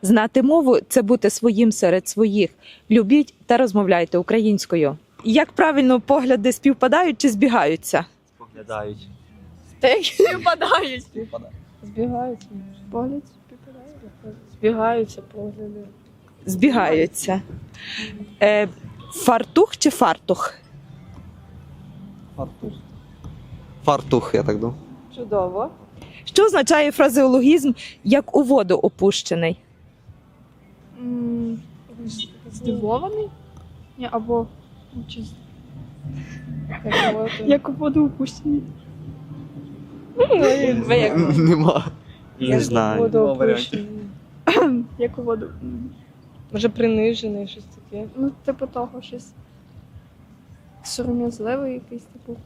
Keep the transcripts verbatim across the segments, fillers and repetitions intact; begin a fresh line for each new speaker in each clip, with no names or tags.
Знати мову – це бути своїм серед своїх. Любіть та розмовляйте українською. Як правильно погляди співпадають чи збігаються?
Споглядають.
Співпадають.
Співпадають.
Збігаються. Погляд співпадає. Збігаються погляди.
Збігаються. Е, фартух чи фартух?
Фартух. Фартух, я так думаю.
Чудово.
Що означає фразеологізм «як у воду опущений»?
М, Здивований? Ні, або ну, чи з- як у воду опущені.
Ви як
Нема.
Не знаю.
Нема
Воду
варіантів.
опущений.
Як у воду. м,
Може принижений, щось таке.
Ну, типу того, щось сором'язливий якийсь, типу.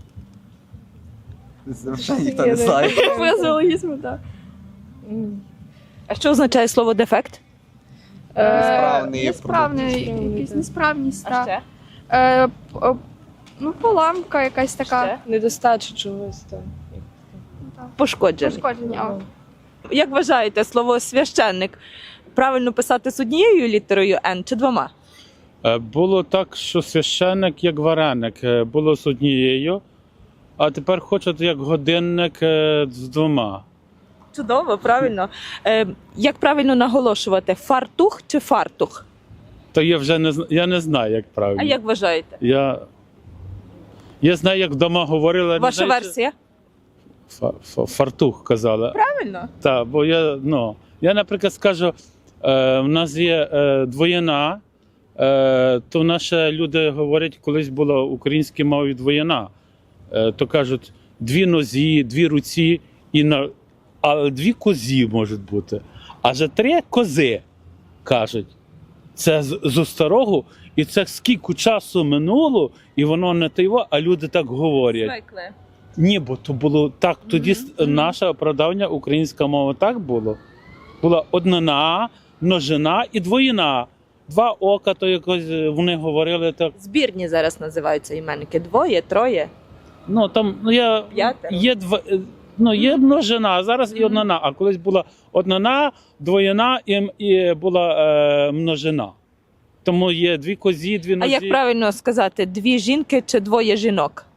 Взагалі ніхто не знає.
Фразеологізм, так.
М.
А що означає слово «дефект»?
Несправний
Е, Несправний,
Несправний,
якийсь
так.
несправність, так. Е, п- е, Ну, поламка якась така.
Недостача чогось там.
Ну, так.
Пошкоджений.
Пошкодження. а.
Як вважаєте, слово «священник» правильно писати з однією літерою «Н» чи двома?
Е, Було так, що священник як вареник е, було з однією, а тепер хочуть як годинник е, з двома.
Чудово, правильно. Е, як правильно наголошувати, фартух чи фартух?
То я вже не зна- я не знаю, як правильно.
А як вважаєте?
Я, я знаю, як вдома говорили. не
Ваша
знаю, чи-
версія?
Фа- фа- Фартух казали.
Правильно.
Так, бо я, ну, я, наприклад, скажу, е, в нас є е, двоєна, е, то наші люди говорять, колись була в українській мові двоєна. Е, то кажуть, дві нозі, дві руці, і на, а дві козі можуть бути. А вже три кози, кажуть. Це з, з старого, і це скільки часу минуло, і воно не тайво, а люди так говорять.
Звикли.
Ні, бо то було так. Тоді
Мгм,
mm
мгм.
наше оправдання, українська мова так було. Була однина, множина і двоїна. Два ока, то якось е, вони говорили так.
Збірні зараз називаються іменники. Двоє, троє,
Ну там ну я
п'ятеро.
є два. е, Ну, є множина, а зараз і
Мгм.
однина. А колись була однина, двоїна і, м- і була е, множина. Тому є дві козі, дві
А
нозі.
як правильно сказати, дві жінки чи двоє жінок?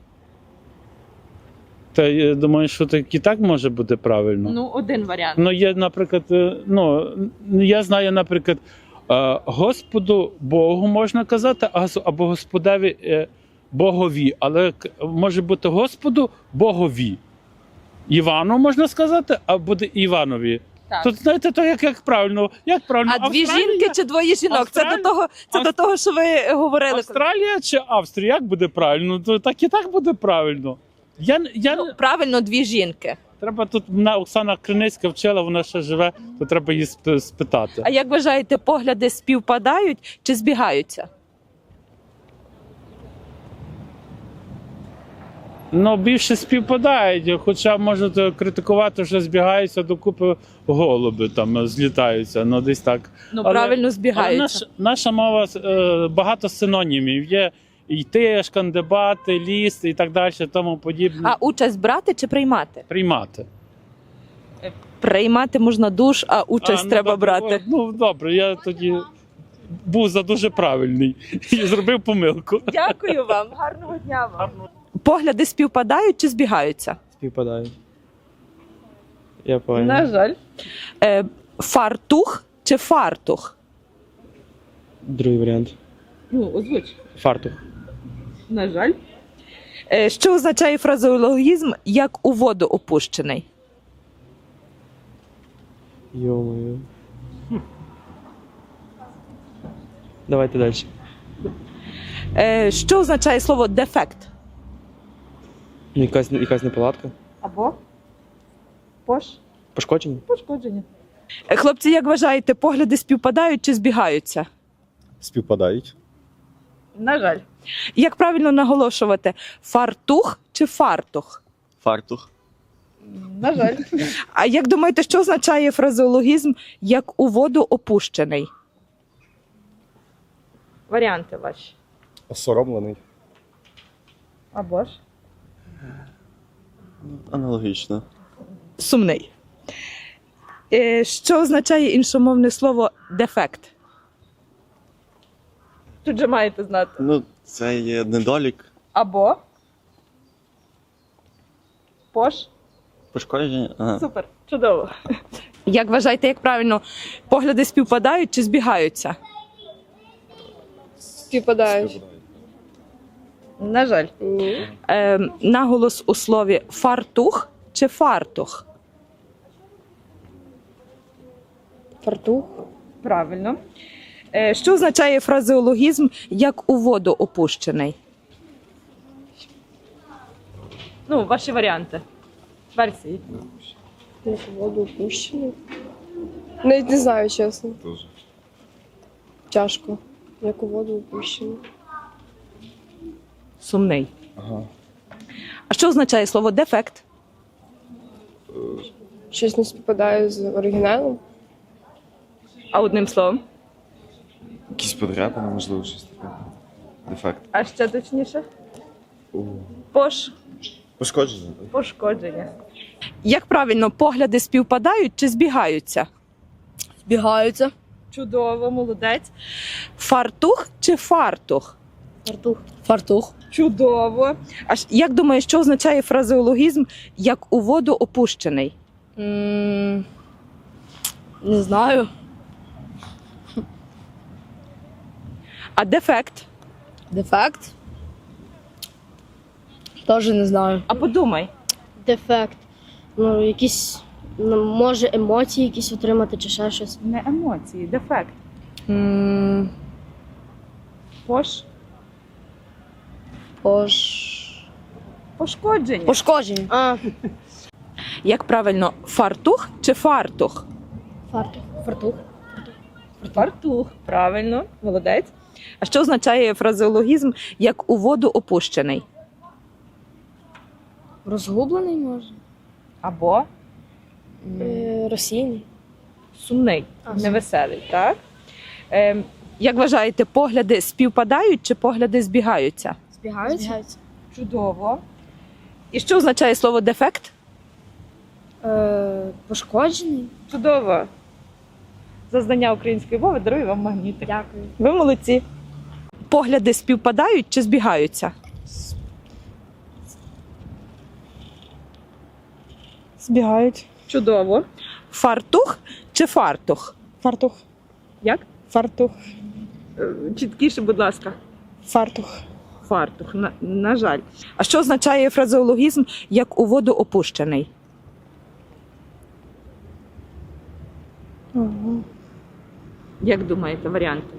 Та я думаю, що так і так може бути правильно.
Ну, один варіант.
Ну, є, наприклад, е, ну, я знаю, наприклад, е, Господу Богу можна казати, а гос- або Господеві е, Богові, але к- може бути Господу Богові. Івану можна сказати, а буде Іванові.
Так.
Тут знаєте, то як, як правильно, як правильно,
А дві
Австралія,
жінки чи двоє жінок? Це
Австралія-
до того, це
Авст-
до того, що ви говорили.
Австралія чи Австрія, як буде правильно? То так і так буде правильно. Я, н- я,
Ну,
не-
правильно, дві жінки.
Треба тут мене Оксана Криницька вчила, вона ще живе, то треба її сп- спитати.
А як вважаєте, погляди співпадають чи збігаються?
Ну, більше співпадають, хоча можуть критикувати, що збігаються докупи голуби, там злітаються, ну десь так.
Ну,
Але-
правильно
Але
збігаються.
наш, наша мова е, багато синонімів. Є йти, шкандибати, ліс і так далі, тому подібне.
А участь брати чи приймати?
Приймати.
Приймати можна душ, а участь
А, ну,
треба
добре,
брати.
о, Ну, добре, я тоді був за дуже правильний і зробив помилку.
Дякую вам, гарного дня вам. Погляди співпадають чи збігаються?
Співпадають. Я понял.
На жаль.
Е, фартух чи фартух?
Другий варіант.
Ну, озвуч.
Фартух.
На жаль. Е, що означає фразеологізм «як у воду опущений»?
Йо-моє. Давайте далі.
Е, що означає слово «дефект»?
Ну, Якась, якась неполадка.
Або пош.
Пошкодження?
Пошкодження. Е, хлопці, як вважаєте, погляди співпадають чи збігаються?
Співпадають.
На жаль. Як правильно наголошувати? Фартух чи фартух?
Фартух.
На жаль.
А як думаєте, що означає фразеологізм «як у воду опущений»? Варіанти ваші.
Осоромлений.
Або ж?
Аналогічно.
Сумний. Е, Що означає іншомовне слово дефект? Тут же маєте знати.
Ну, це є недолік,
Або. Пош.
пошкодження. Ага.
Супер, чудово. Як вважаєте, як правильно, погляди співпадають чи збігаються?
Співпадають.
На жаль.
Ні.
Е, наголос у слові фартух чи фартух?
Фартух.
Правильно. Е, що означає фразеологізм як у воду опущений? Ну, ваші варіанти. Версії.
Як у воду опущений. Навіть не знаю, чесно.
Дуже.
Тяжко. Як у воду опущений.
Сумний.
Ага.
А що означає слово дефект?
Щось не співпадає з оригіналом.
А одним словом?
Якісь подряпини, можливо, щось таке. Дефект.
А ще точніше? Пош...
Пошкодження, так?
Пошкодження. Як правильно, погляди співпадають чи збігаються?
Збігаються.
Чудово, молодець. Фартух чи фартух?
Фартух. Фартух.
Чудово. А ж- як думаєш, що означає фразеологізм як у воду опущений?
М, Не знаю.
А дефект?
Дефект. Теж не знаю.
А подумай.
Дефект. Ну, якісь, ну, може, емоції якісь отримати чи ще щось.
Не емоції, дефект.
М,
Пош...
Пош...
Пошкодження.
Пошкодження.
А,
Як правильно, фартух чи фартух?
фартух. Фартух.
Фартух. Правильно, молодець. А що означає фразеологізм як у воду опущений?
Розгублений може.
Або
Е, Російний.
сумний,
А,
невеселий, так? Ем, як вважаєте, погляди співпадають чи погляди збігаються?
Збігаються? Збігаються.
Чудово. І що означає слово дефект?
Е, пошкоджений.
Чудово. За знання української мови дарую вам магнітик.
Дякую.
Ви молодці. Погляди співпадають чи збігаються?
Збігають.
Чудово. Фартух чи фартух?
Фартух.
Як?
Фартух.
Е, Чіткіше, будь ласка.
Фартух.
Фартух, на, на жаль. А що означає фразеологізм як у воду опущений?
Ага.
Як думаєте, варіанти?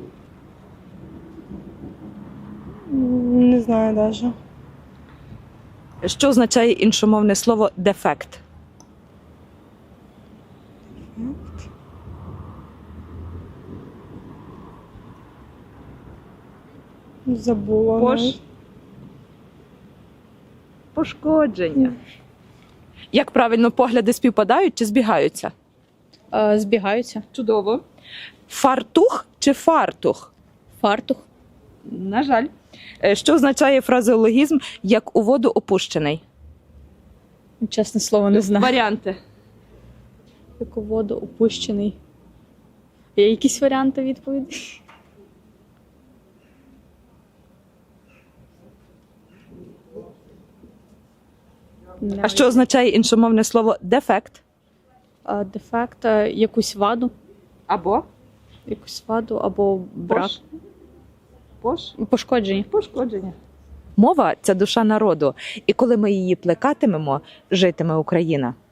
Не знаю навіть.
Що означає іншомовне слово дефект?
Забула.
Пош...
навіть.
Пошкодження. Як правильно, погляди співпадають чи збігаються?
Е, Збігаються.
Чудово. Фартух чи фартух?
Фартух.
На жаль. Е, Що означає фразеологізм як у воду опущений?
Чесне слово, не знаю.
Варіанти.
Як у воду опущений. Є якісь варіанти відповіді?
А що означає іншомовне слово дефект?
Е, Дефект, е, якусь ваду,
Або
якусь ваду або брак.
Пош... Пош...
Пошкодження.
Пошкодження. Мова – це душа народу. І коли ми її плекатимемо, житиме Україна.